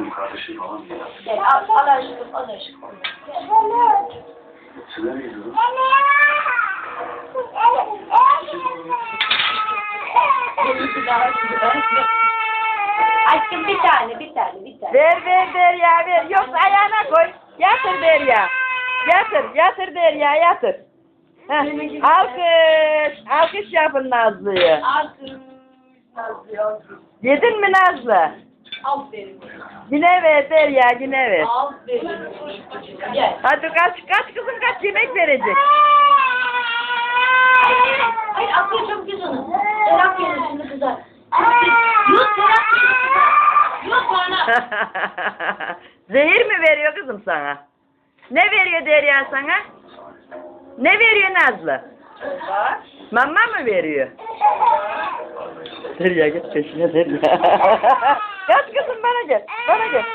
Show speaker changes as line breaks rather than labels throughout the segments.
Benim kardeşim falan ya.
Gel al aşkım, al aşkım.
Size mi gidiyorsun?
Aşkım bir tane.
Ver Derya ver. Yoksa ayağına koy. Yatır Derya. Yatır Derya yatır. Heh. Alkış yapın Nazlı'yı. Yedin mi Nazlı?
Aferin.
Yine ver Derya yine ver.
Aferin. Gel.
Hadi kaç kızım kaç yemek verecek.
Hayır atıyor çok güzel onu. Serap gelir şimdi kızar. Yok Serap gelir kızar. Yok bana.
Zehir mi veriyor kızım sana? Ne veriyor Derya sana? Ne veriyor Nazlı? Mama mı veriyor? Derya git peşine Derya. Kaç kızım bana gel. Bana gel.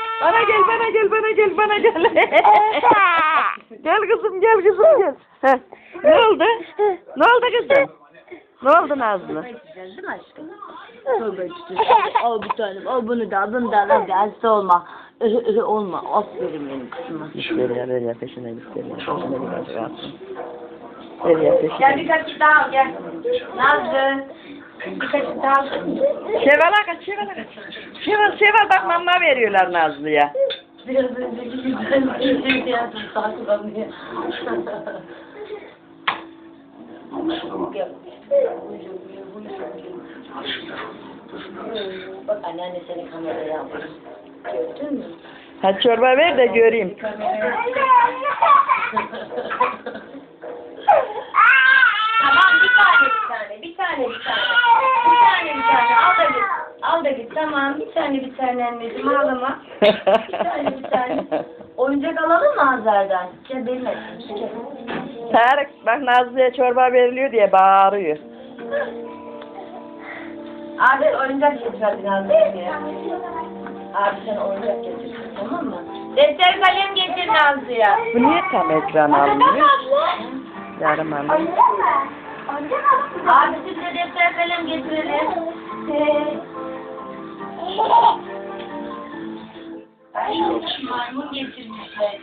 Gel kızım gel. Heh. Ne oldu kızım? Ne oldu Nazlı?
Değil mi aşkım? Tövbe içeceğiz. Al bir tanem. Al bunu da. Hadi hasta olma. Olma. Aferin benim kızıma.
Derya peşine git Derya. Derya peşine.
Gel bir kaşık daha al gel. Nazlı. Bir kaşık daha al.
Şeval'a kaç. Şeval bak mama veriyorlar Nazlı'ya.
Biraz önceki güzel bir şey yaptım. Saklanmıyor. Bak anneanne seni kameraya almış. Gördün mü?
Hadi çorba ver de göreyim.
Tamam bir tane. Al da git. Tamam bir tane anneciğim ağlama. Bir tane. Oyuncak alalım mı Hazar'dan? Gel benim etsin.
Tarık bak Nazlı'ya çorba veriliyor diye bağırıyor.
Abi oyuncak getir hadi Nazlı'ya. Abi sen oyuncak getir tamam mı? Defter kalem getir Nazlı'ya.
Bu niye tam ekran almıyor? Yarım almıyor.
Abi siz de defter kalem getirelim. Ay maymun getirmişler.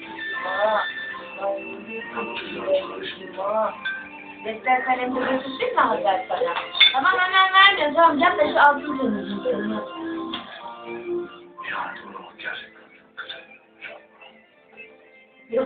Defter kalem de götürsün mü Hazar bana? Tamam hemen vermiyor. Tamam yap da şu altın dönüşüm.